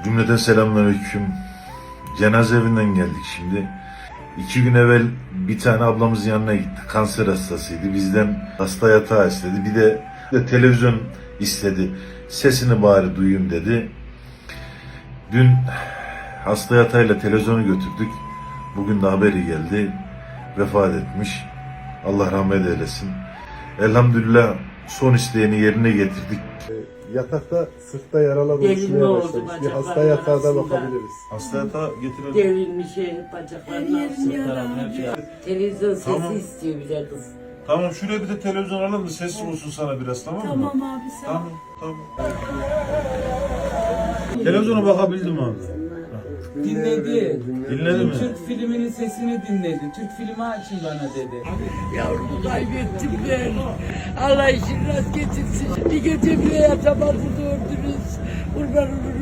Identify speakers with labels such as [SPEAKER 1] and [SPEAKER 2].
[SPEAKER 1] Cümleten selamünaleyküm. Cenaze evinden geldik şimdi. 2 gün evvel bir tane ablamızın yanına gittik. Kanser hastasıydı. Bizden hasta yatağı istedi. Bir de televizyon istedi. Sesini bari duyayım dedi. Dün hasta yatağıyla televizyonu götürdük. Bugün de haberi geldi. Vefat etmiş. Allah rahmet eylesin. Elhamdülillah son isteğini yerine getirdik.
[SPEAKER 2] Yatakta sırtta yaralar
[SPEAKER 3] Delinme
[SPEAKER 2] oluşmaya
[SPEAKER 3] oldu
[SPEAKER 2] başlamış. Bir
[SPEAKER 3] bacakların
[SPEAKER 2] hasta yatağına
[SPEAKER 3] arasında.
[SPEAKER 2] bakabiliriz.
[SPEAKER 1] Hasta yatağı getirelim.
[SPEAKER 3] Devrilmiş bacaklarını Televizyon sesi
[SPEAKER 1] Tamam.
[SPEAKER 3] istiyor bize kız.
[SPEAKER 1] Tamam, şuraya bir de televizyon alalım da sessiz olsun sana biraz, tamam mı?
[SPEAKER 4] Tamam abi sen.
[SPEAKER 1] Tamam. Televizyona bakabildim abi.
[SPEAKER 5] Dinledi.
[SPEAKER 1] Dinledi mi?
[SPEAKER 5] Türk filminin sesini dinledi. Türk filmi açın bana dedi.
[SPEAKER 3] Yavrumu kaybettim ben. Allah işini rast getirsin. Bir gece bile yatamadı doğurdunuz. Kurban olurum